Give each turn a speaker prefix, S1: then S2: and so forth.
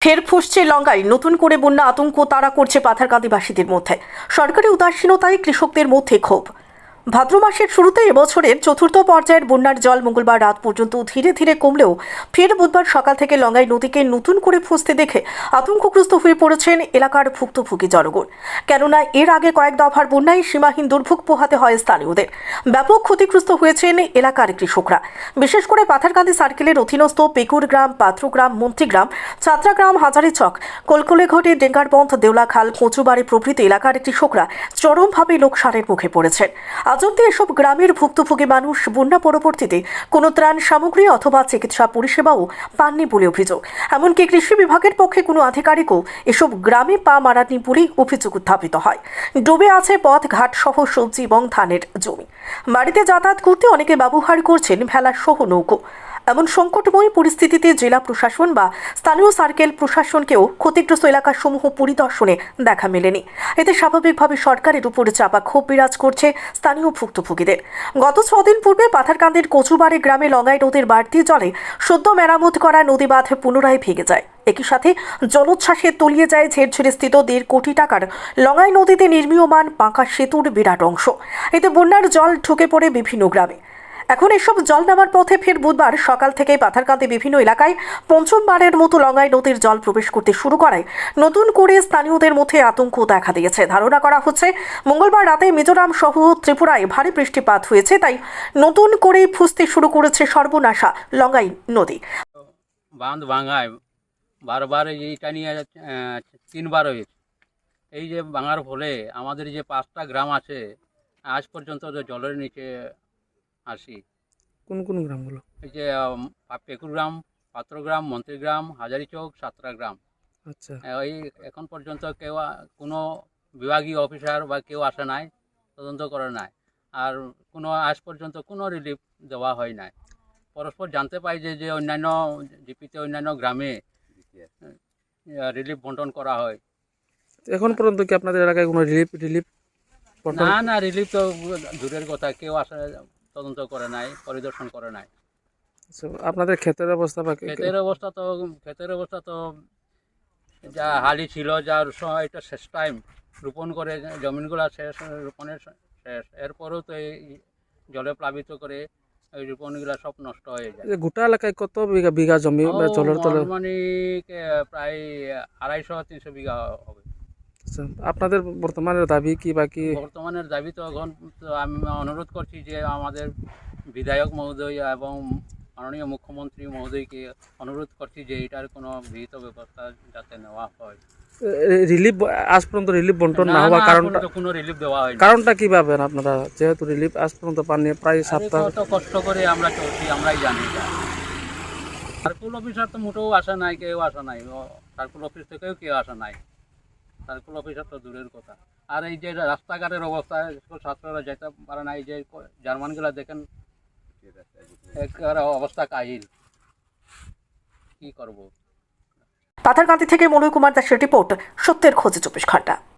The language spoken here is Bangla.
S1: ফের ফুসছে লঙ্গায়। নতুন করে বন্যা আতঙ্ক তাড়া করছে পাথারকান্দিবাসীদের মধ্যে। সরকারি উদাসীনতায় কৃষকদের মধ্যে ক্ষোভ। ভাদ্র মাসের শুরুতে এবছরের চতুর্থ পর্যায়ের বন্যার জল মঙ্গলবার রাত পর্যন্ত ধীরে ধীরে কমলেও ফের বুধবার সকাল থেকে লঙ্গাই নদীকে নতুন করে ফুসতে দেখে আতঙ্কগ্রস্ত হয়ে পড়েছেন এলাকার ভুক্তভোগী জনগণ। কেননা এর আগে কয়েক দফার বন্যায় সীমাহীন দুর্ভোগ পোহাতে হয় স্থানীয়দের। ব্যাপক ক্ষতিগ্রস্ত হয়েছেন এলাকার কৃষকরা। বিশেষ করে পাথারকান্দি সার্কেলের অধীনস্থ পেকুরগ্রাম, পাত্রগ্রাম, মন্ত্রীগ্রাম, ছাত্রাগ্রাম, হাজারিচক, কলকলেঘাটি, ডেঙ্গারবন্ধ, দেউলাখাল, কচুবাড়ি প্রভৃতি এলাকার কৃষকরা চরমভাবে লোকসানের মুখে পড়েছেন। আজ অব্দি এসব গ্রামের ভুক্তভোগী মানুষ বন্যা পরবর্তীতে কোনো ত্রাণ সামগ্রী অথবা চিকিৎসা পরিষেবাও পাননি বলে অভিযোগ। এমনকি কৃষি বিভাগের পক্ষে কোনো আধিকারিকও এসব গ্রামে পা মারানি বলে অভিযোগ উত্থাপিত হয়। ডুবে আছে পথ ঘাট সহ সবজি এবং ধানের জমি। বাড়িতে যাতায়াত করতে অনেকে ব্যবহার করছেন ভেলা সহ নৌকো। এমন সংকটময় পরিস্থিতিতে জেলা প্রশাসন বা স্থানীয় সার্কেল প্রশাসনকেও ক্ষতিগ্রস্ত এলাকাসমূহ পরিদর্শনে দেখা মেলেনি। এতে স্বাভাবিকভাবে সরকারের উপরে চাপা ক্ষোভ বিরাজ করছে স্থানীয় ভুক্তভোগীদের। গত 6 দিন পূর্বে পাথারকান্দির কচুবাড়ি গ্রামে লঙ্গাই নদীর বাড়তি জলে সদ্য মেরামত করা নদী বাঁধ পুনরায় ভেঙে যায়। একই সাথে জলোচ্ছ্বাসে তলিয়ে যায় ঝেড়ঝুড়ে স্থিত 1.5 কোটি টাকার লঙ্গাই নদীতে নির্মীয়মান পাঁকা সেতুর বিরাট অংশ। এতে বন্যার জল ঢুকে পড়ে বিভিন্ন গ্রামে। এখন এসব জল নামার পথে ফের বুধবার সকাল থেকে পাথারকান্দি বিভিন্ন এলাকায় পঞ্চমবারের মতো লঙ্গাই নদীর জল প্রবেশ করতে শুরু করায় নতুন করে স্থানীয়দের মধ্যে আতঙ্ক দেখা দিয়েছে। ধারণা করা হচ্ছে মঙ্গলবার রাতে মিজোরাম সহ ত্রিপুরায় ভারী বৃষ্টিপাত হয়েছে, তাই নতুন করে ফুসতে শুরু করেছে সর্বনাশা লঙ্গাই নদী।
S2: বাঁধ ভাঙায় বারবার এইটা নিয়ে 3বার হয়েছে। এই যে ভাঙার ফলে আমাদের যে 5টা গ্রাম আছে আজ পর্যন্ত জলের নিচে আসি।
S3: কোন কোন গ্রামগুলো?
S2: এই যে পেকুরগ্রাম, পাত্রগ্রাম, মন্ত্রীগ্রাম, হাজারিচক, ছাত্রাগ্রাম।
S3: আচ্ছা,
S2: ওই এখন পর্যন্ত কেউ কোনো বিভাগীয় অফিসার বা কেউ আসে নাই, তদন্ত করে নাই, আর কোনো আজ পর্যন্ত কোনো রিলিফ দেওয়া হয় নাই। পরস্পর জানতে পাই যে অন্যান্য জিপিতে অন্যান্য গ্রামে রিলিফ বন্টন করা হয়।
S3: এখন পর্যন্ত কি আপনাদের এলাকায় কোনো রিলিফ
S2: না, রিলিফ তো দূরের কথা, কেউ আসে তদন্ত করে নাই, পরিদর্শন করে নাই।
S3: আপনাদের ক্ষেতের অবস্থা বা
S2: ক্ষেতের অবস্থা তো যা হালি ছিল, যার এটা শেষ টাইম রোপণ করে জমিনগুলো শেষ, রোপণের শেষ, এরপরেও তো এই জলে প্লাবিত করে এই রোপণগুলো সব নষ্ট হয়ে যায়।
S3: গোটা এলাকায় কত বিঘা জমি জলের তলে?
S2: মানে প্রায় 250-300 বিঘা হবে।
S3: আচ্ছা, আপনাদের বর্তমানের দাবি কি? বাকি
S2: বর্তমানের দাবি তো এখন তো আমি অনুরোধ করছি যে আমাদের বিধায়ক মহোদয় এবং মাননীয় মুখ্যমন্ত্রী মহোদয়কে অনুরোধ করছি যে এটার কোনো বিহিত ব্যবস্থা যাতে নেওয়া হয়।
S3: রিলিফ আজ পর্যন্ত রিলিফ বন্টন না হওয়ার কারণটা?
S2: কোনো রিলিফ দেওয়া হয়
S3: কারণটা কি ভাবেন আপনারা, যেহেতু রিলিফ আজ পর্যন্ত পাননি? প্রায় সপ্তাহ
S2: তো কষ্ট করে আমরা চলছি, আমরাই জানি। সার্কুল অফিসার তো মোটেও আসা নাই, কেউ আসা নাই, সার্কুল অফিস থেকেও কেউ আসা নাই। সার্কুল অফিসার তো দূরের কথা। আর এই যে রাস্তাঘাটের অবস্থা, স্কুল ছাত্ররা যেতে পারে না। এই যে জার্মানগুলা দেখেন, একেবারে অবস্থা কাহিল, কি করব।
S1: পাথারকান্দি থেকে মনোজ কুমার দাসের রিপোর্ট, সত্যের খোঁজে 24 ঘন্টা।